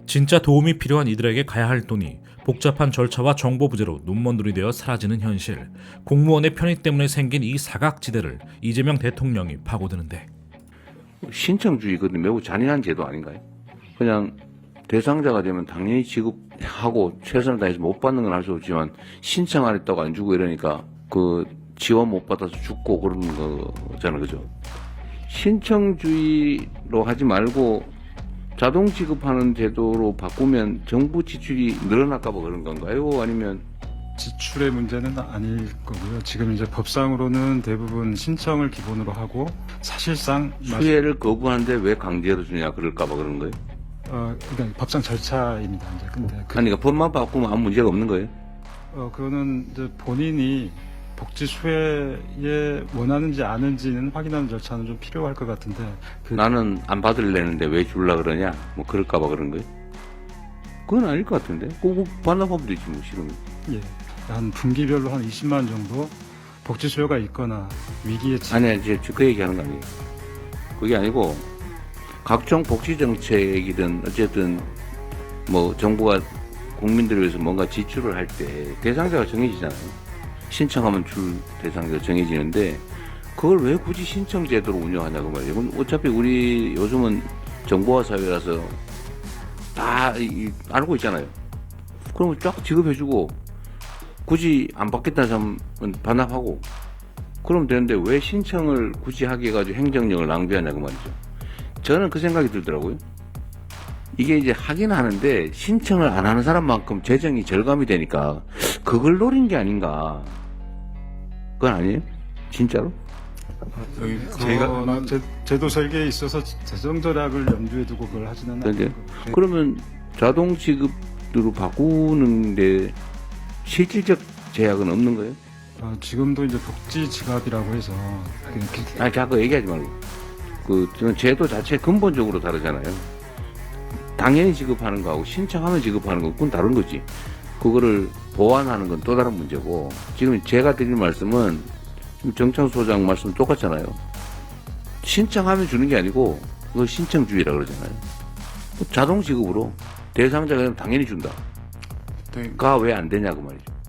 진짜 도움이 필요한 이들에게 가야 할 돈이 복잡한 절차와 정보 부재로 눈먼눈이 되어 사라지는 현실. 공무원의 편의 때문에 생긴 이 사각지대를 이재명 대통령이 파고드는데, 신청주의 그것도 매우 잔인한 제도 아닌가요? 그냥 대상자가 되면 당연히 지급하고 최선을 다해서 못 받는 건 할 수 없지만 신청 안 했다고 안 주고 이러니까 그 지원 못 받아서 죽고 그러는 거잖아, 그죠? 신청주의로 하지 말고 자동 지급하는 제도로 바꾸면 정부 지출이 늘어날까 봐 그런 건가요? 아니면 지출의 문제는 아닐 거고요. 지금 이제 법상으로는 대부분 신청을 기본으로 하고 사실상 수혜를 거부하는데 왜 강제로 주냐 그럴까 봐 그런 거예요? 그러니까 법상 절차입니다. 이제 근데 그러니까 법만 바꾸면 아무 문제가 없는 거예요? 그거는 이제 본인이 복지 수혜에 원하는지 아는지는 확인하는 절차는 좀 필요할 것 같은데 나는 안 받을래는데 왜 줄라 그러냐? 뭐 그럴까 봐 그런 거예요? 그건 아닐 것 같은데? 꼭 반납하면 되지 뭐 싫으면. 예, 한 분기별로 한 20만 원 정도 복지 수요가 있거나 위기에 아니야, 이제 그 얘기하는 거 아니에요. 그게 아니고 각종 복지 정책이든 어쨌든 뭐 정부가 국민들을 위해서 뭔가 지출을 할 때 대상자가 정해지잖아요. 신청하면 줄 대상자가 정해지는데 그걸 왜 굳이 신청 제도로 운영하냐고 말이에요. 그럼 어차피 우리 요즘은 정보화 사회라서 다 알고 있잖아요. 그러면 쫙 지급해주고 굳이 안 받겠다는 사람은 반납하고 그러면 되는데 왜 신청을 굳이 하게 해가지고 행정력을 낭비하냐고 말이죠. 저는 그 생각이 들더라고요. 이게 이제 하긴 하는데 신청을 안 하는 사람만큼 재정이 절감이 되니까 그걸 노린 게 아닌가. 그건 아니에요? 진짜로? 제가 제도 설계에 있어서 재정 절약을 염두에 두고 그걸 하지는 그런데 않고 그러면 자동 지급으로 바꾸는데 실질적 제약은 없는 거예요? 지금도 이제 복지 지갑이라고 해서 아니 자꾸 얘기하지 말고 저는 제도 자체 근본적으로 다르잖아요. 당연히 지급하는 거하고 신청하면 지급하는 건 그건 다른 거지. 그거를 보완하는 건 또 다른 문제고 지금 제가 드릴 말씀은 정창수 소장 말씀 똑같잖아요. 신청하면 주는 게 아니고 그걸 신청주의라 그러잖아요. 자동 지급으로 대상자가 되면 당연히 준다. 가 왜 안 되냐고 말이죠.